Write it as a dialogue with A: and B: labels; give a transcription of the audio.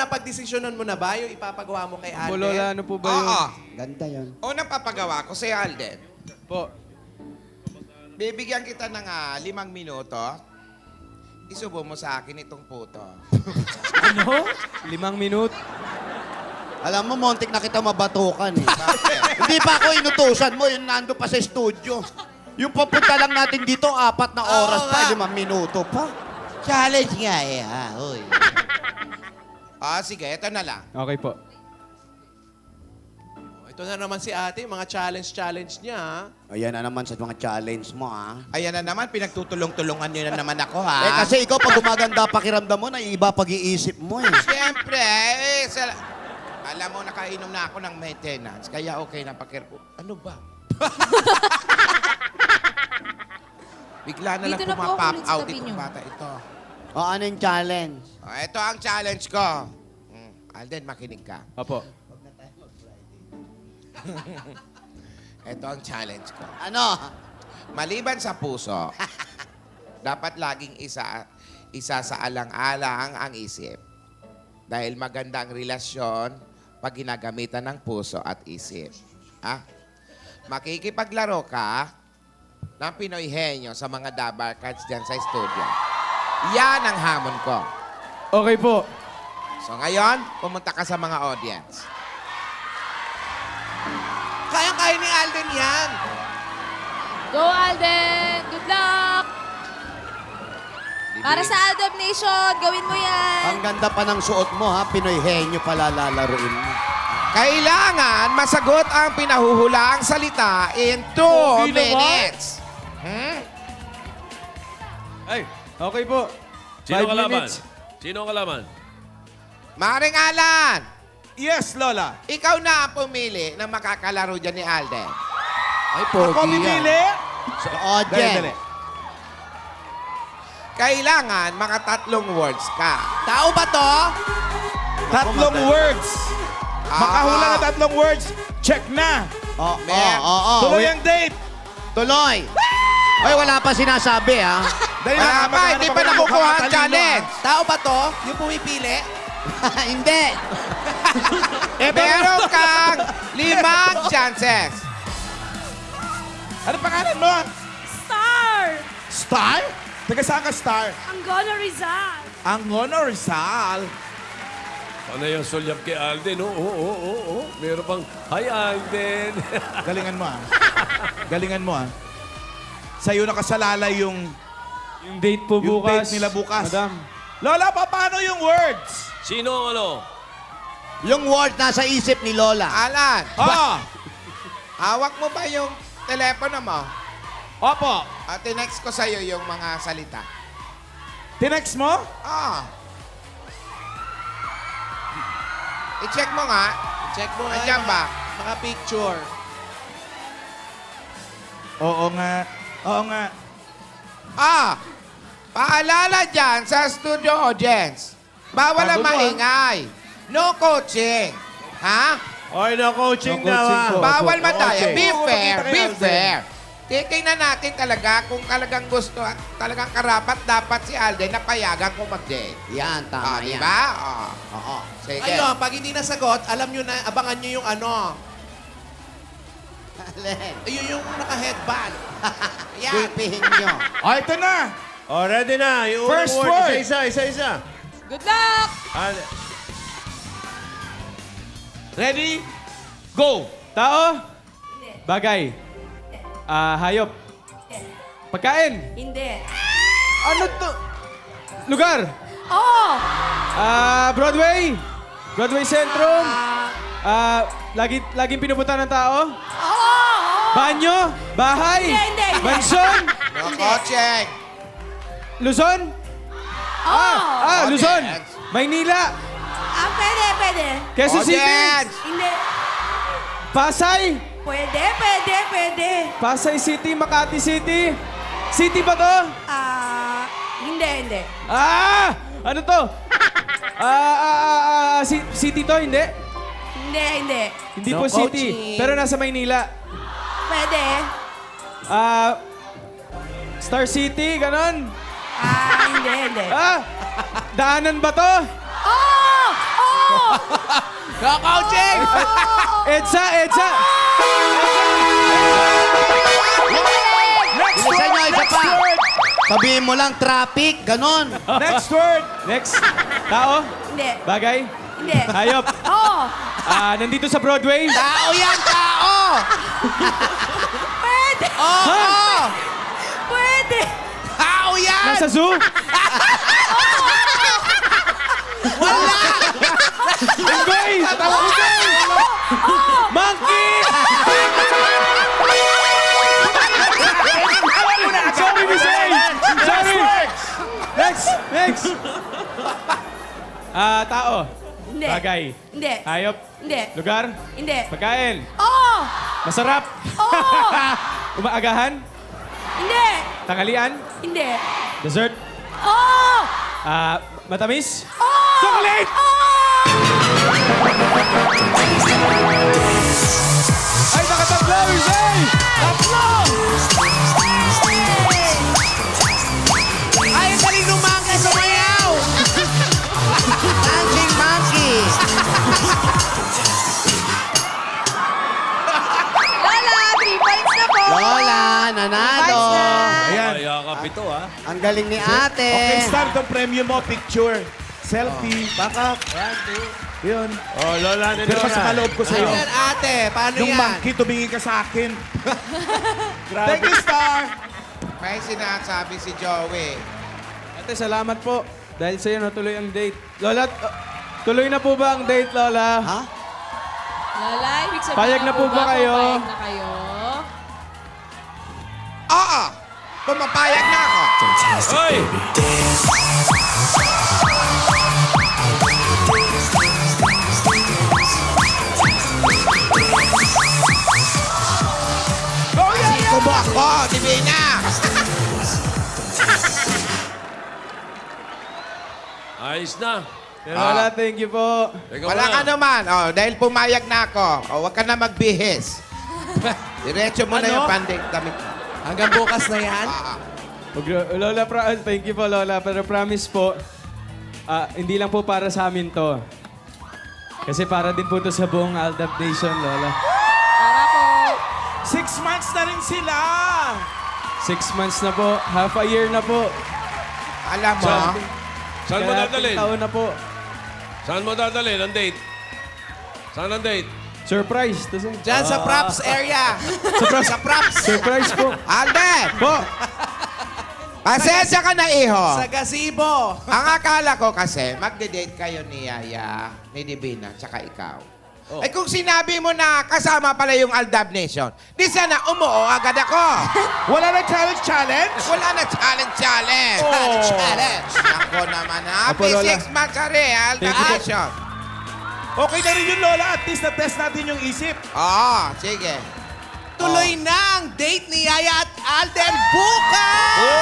A: napagdesisyonan mo na ba yung ipapagawa mo kay Alden?
B: Lola, ano po ba yun?
C: Oo.
D: Ganda yun.
C: Unang papagawa ko si Alden.
B: Po.
C: Bibigyan kita ng 5 minuto. Isubo mo sa akin itong puto.
B: Ano? 5 minut?
D: Alam mo, montik na kita mabatukan eh.
C: Bakit?
D: Hindi pa ako inutusan mo, yun nando pa sa studio. Yung papunta lang natin dito, 4 na oras
A: Oo
D: pa,
A: nga.
D: 5 minuto pa. Challenge nga eh, ha? Uy.
C: Sige, ito na lang.
B: Okay po.
A: Ito na naman si ate, mga challenge niya. ha?
D: Ayan na naman sa mga challenge mo, ha?
C: Ayan na naman, pinagtutulong-tulungan nyo na naman ako, ha?
D: Kasi ikaw, pag gumaganda pakiramdam mo, naiiba pag-iisip mo eh.
C: Siyempre, alam mo, nakainom na ako ng maintenance, kaya okay na pakirpo. Ano ba? Bigla na lang
E: Dito na po ako
C: pumapop
E: ulit sa
C: out
E: tabi
C: itong
E: niyo.
C: bata ito.
D: O, ano yung challenge?
C: Ito ang challenge ko. Alden, makinig ka.
B: Opo.
C: Ito ang challenge ko.
D: Ano?
C: Maliban sa puso, dapat laging isa sa alang-alang ang isip. Dahil maganda ang relasyon pag ginagamitan ng puso at isip. Makikipaglaro ka ng Pinoy Henyo sa mga dabar cards dyan sa studio. Yan ang hamon ko.
B: Okay po.
C: So ngayon, pumunta ka sa mga audience.
A: Kayang-kaya ni Alden yan.
E: Go, Alden! Good luck! Para sa Aldab Nation, gawin mo yan!
D: Ang ganda pa ng suot mo, ha? Pinoy henyo pala lalaruin mo.
C: Kailangan masagot ang pinahuhulaang salita in 2 minutes.
B: Ay, okay po.
F: Sino
B: 5
F: kalaban?
B: minutes.
F: Sino kalaban?
C: Maring Alan,
G: Yes, Lola.
C: ikaw na ang pumili ng makakalaro dyan ni Alden.
D: Ay,
G: Ako pipili.
D: So,
G: Dali,
D: audience.
G: dali.
C: Kailangan mga 3 words ka.
A: Tao ba to?
G: 3 words. Makahula na 3 words. Check na.
D: Oo,
C: Mer.
D: oo.
G: Tuloy ang date.
D: Tuloy. Ay, wala pa sinasabi, ha?
G: Dali
C: Wala
G: na,
C: pa,
G: maghanap
C: hindi
G: ako
C: pa
G: ng
C: nakukuha
G: mukhang
C: ang
G: matalino,
C: challenge.
A: Tao ba to? Yung pumipili?
D: Hindi.
C: Meron kang 5 chances.
G: Ano pangalan mo?
H: Star!
G: Star? Taga saan ka, Star?
H: Angola Rizal!
G: Angono Rizal.
F: Ano yung sulyap kay Alden? Oo. Meron pang, hi Alden.
G: Galingan mo, ha? Galingan mo, ha? Sa'yo nakasalalay yung
B: Yung date po
G: Yung
B: bukas.
G: date nila bukas.
B: Madam.
G: Lola, paano yung words?
F: Sino ang ano?
D: Yung word nasa isip ni Lola.
C: Alan,
G: Ah!
C: hawak mo ba yung telepono mo?
G: Opo.
C: At tinext ko sa'yo yung mga salita.
G: Tinext mo?
C: I-check mo nga.
A: Check mo nga
C: Andiyan
A: yung
C: ba?
A: mga picture.
G: Oo nga. Oo nga.
C: Paalala dyan sa studio audience. Bawal ang
G: Bago mo,
C: maingay. No coaching. Ha?
G: Oy, no coaching
B: No coaching po.
C: Bawal
G: No
C: mataya.
G: coaching.
C: Be
G: Oo,
C: fair,
G: makita kay
C: be
G: Alden.
C: fair. Titingnan natin talaga kung talagang gusto at talagang karapat dapat si Alden na payagan kung mag-date.
D: Yan, tama yan.
C: Diba?
D: Oo.
C: Sige.
A: Ayun, pag hindi nasagot, alam nyo na, abangan nyo yung ano.
D: Alin.
A: Ayun yung naka-headband. Ayan.
D: Pipihin nyo.
G: Oh, ito na.
F: Oh, ready na. Yung
G: First
F: unang
G: word.
F: Isa-isa.
E: Good luck!
G: Ready? Go.
B: Tao? Bagay. Hayop. Pagkain.
H: Hindi.
B: Ano to? Lugar.
H: Oo!
B: Broadway. Broadway Centrum. Laging pinupunta ng tao.
H: Oo!
B: Banyo. Bahay.
H: Hindi.
B: Mansyon.
C: No coaching.
B: Luzon.
H: Oo!
B: Luzon.
C: Audience.
B: Maynila.
H: Pwede.
B: Quezon City.
C: Audience.
H: Hindi.
B: Pasay.
H: Pwede.
B: Pasay City, Makati City. City ba to?
H: Hindi.
B: Ano to? City to, hindi?
H: Hindi.
B: Hindi
A: No
B: po city.
A: coaching.
B: Pero nasa Maynila.
H: Pwede.
B: Star City, ganon.
H: Hindi.
B: Daanan ba to?
H: Oo!
A: Go, coaching!
B: Edsa, Edsa!
G: Next
D: Bilisan nyo,
G: word!
D: isa
G: Next
D: pa.
G: word!
D: Sabihin mo lang, traffic, ganon.
G: Next word!
B: Next. Tao?
H: Hindi.
B: Bagay?
H: Hindi.
B: Hayop?
H: Oo.
B: Nandito sa Broadway?
A: Tao yan, tao!
H: Pwede.
A: Oo!
H: Pwede.
A: Tao yan!
B: Nasa zoo?
A: Wala!
B: Unggoy! Monkey! Sorry, Miss A! Sorry! Next! Next! Tao?
H: Hindi.
B: Bagay?
H: Hindi.
B: Hayop?
H: Hindi.
B: Lugar?
H: Hindi.
B: Pagkain?
H: Oo.
B: Masarap?
H: Oo.
B: Umaagahan?
H: Hindi.
B: Tanghalian?
H: Hindi.
B: Dessert?
H: Oo.
B: Matamis?
H: Oo.
B: Chocolate! Ay, nakatatlo, Miss A! Tatlo!
A: Ay, ang galing ng monkey sumayaw!
D: Dancing monkey.
E: Lola, 3 points na po.
D: Lola, nanalo.
G: Ayan.
F: Kaya ka pito, ha?
D: Ang galing ni ate.
G: Okay, start ang premium mo. Picture. Selfie. Backup. Yun.
F: Oh, Lola ni
G: Pero sa kaloob ko sa'yo.
A: Ayan, ate. Paano
G: Yung
A: yan?
G: monkey, tumingin ka sa akin. Thank you, Star.
C: May sinasabi si Joey.
B: Ate, salamat po. Dahil sa'yo natuloy ang date. Lola, tuloy na po ba ang date, Lola?
D: Ha?
E: Lola, ibig sabihin
B: Payag na po ba kayo?
E: Payag na kayo?
C: Oo! Pumapayag na ako.
F: Hoy!
C: Kubo ako, Divina!
F: Ayos na.
B: Lola, thank you po.
F: Ikaw
C: Wala
F: na.
C: ka naman. Oh, dahil pumayag na ako, huwag ka na magbihis. Diretso mo na yung panding damit.
A: Hanggang bukas na yan?
B: Lola, thank you po, Lola. Pero promise po, hindi lang po para sa amin to. Kasi para din po to sa buong Aldab Nation, Lola.
E: Para po.
G: 6 months na rin sila.
B: 6 months na po, half a year na po.
C: Alam mo,
F: Saan mo dadalhin?
B: taon na po.
F: Saan mo dadalhin ang date? Saan ang date?
B: Surprise.
A: Diyan sa props area.
B: Surprise.
A: Sa props.
B: Surprise po.
C: Alden!
B: Po.
C: Pasensya ka na, iho.
A: Sa gazebo.
C: Ang akala ko kasi, magde-date kayo ni Yaya, ni Divina, tsaka ikaw. Eh kung sinabi mo na kasama pala yung Aldab Nation, di sana umuo agad ako.
G: Wala na challenge?
C: Wala na challenge.
A: Challenge.
C: Ako naman, happy
B: Lola.
C: 6 months ka rin, Aldab
B: Thank you po.
C: Nation.
G: Okay na rin yun, Lola. At least na-test natin yung isip.
C: Oo, sige.
A: Tuloy na ang date ni Yaya at Alden bukas!